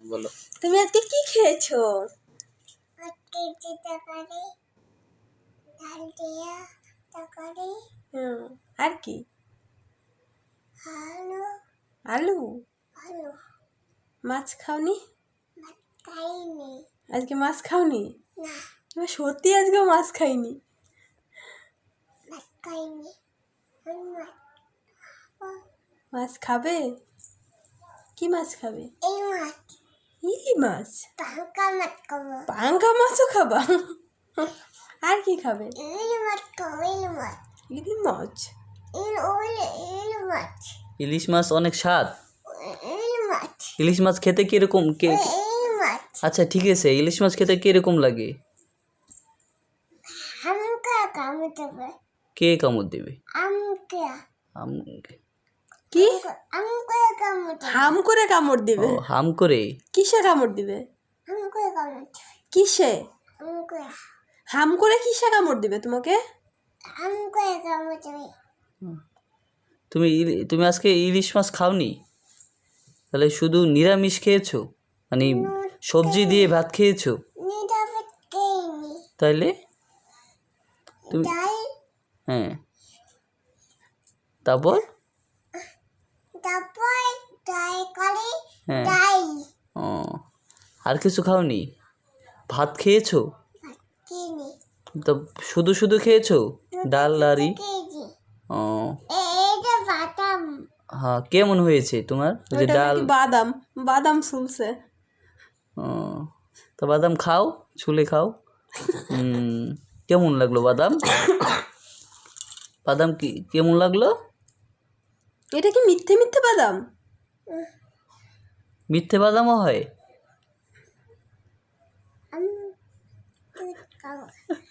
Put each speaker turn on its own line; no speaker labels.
বলো।
তুমি আজকে কি খেয়েছো?
আজকে যে তরকারি, ডাল দিয়া তরকারি,
আর কি?
আলু
আলু।
আলু
মাছ খাওনি?
ভাত খাইনি।
আজকে মাছ খাওনি?
না,
তুমি সত্যি আজকেও মাছ খাইনি?
ভাত খাইনি। আমি মাছ খাবো।
মাছ খাবে? কি মাছ খাবে?
এই মাছ,
ইলি মাছ?
পাঙ্কা মাছ খাবো।
পাঙ্কা মাছও খাবা? আর কি খাবে?
ইলি মাছ খাবো, ইলি মাছ।
ইলি মাছ?
ইলি মাছ।
ইলিশ মাছ অনেক স্বাদ।
ইলি মাছ।
ইলিশ মাছ খেতে কিরকম
ইলি মাছ।
আচ্ছা ঠিক আছে, ইলিশ মাছ খেতে কিরকম লাগে?
আমকা কামড় দেবে।
কে কামড় দেবে?
আমকা।
কি?
আমকা কামড় দেবে।
হাম করে কামড় দিবে?
ও, হাম করে।
কিসে কামড় দিবে?
আমকা কামড় দেবে।
কিসে?
আমকা।
হাম করে কিসে কামড় দিবে তোমাকে?
আমকা কামড় দেবে।
তুমি আজকে ইলিশ মাছ খাওনি? তাহলে শুধু নিরামিষ খেয়েছো? মানে সবজি দিয়ে ভাত খেয়েছো?
নিরামিষ খাইনি।
তাইলে তুমি
ডাল,
হ্যাঁ, তারপর
তারপর তরকারি,
হ্যাঁ।
ডাল।
ও, আর কিছু খাওনি? ভাত খেয়েছো?
ভাত কিনি।
তো শুধু শুধু খেয়েছো ডাল আরই?
কেজি।
ও
এইটা বাদাম।
হ্যাঁ, কেমন হয়েছে তোমার ওই যে
ওটা
ডাল?
নাকি বাদাম, বাদাম ফুলছে।
ও, তো বাদাম খাও, ছুলে খাও। কেমন লাগলো বাদাম? বাদাম কি কেমন লাগলো?
এটা কি মিথ্যে মিথ্যে বাদাম?
মিথ্যে বাদামও হয়?
আমি দুধ খাবো।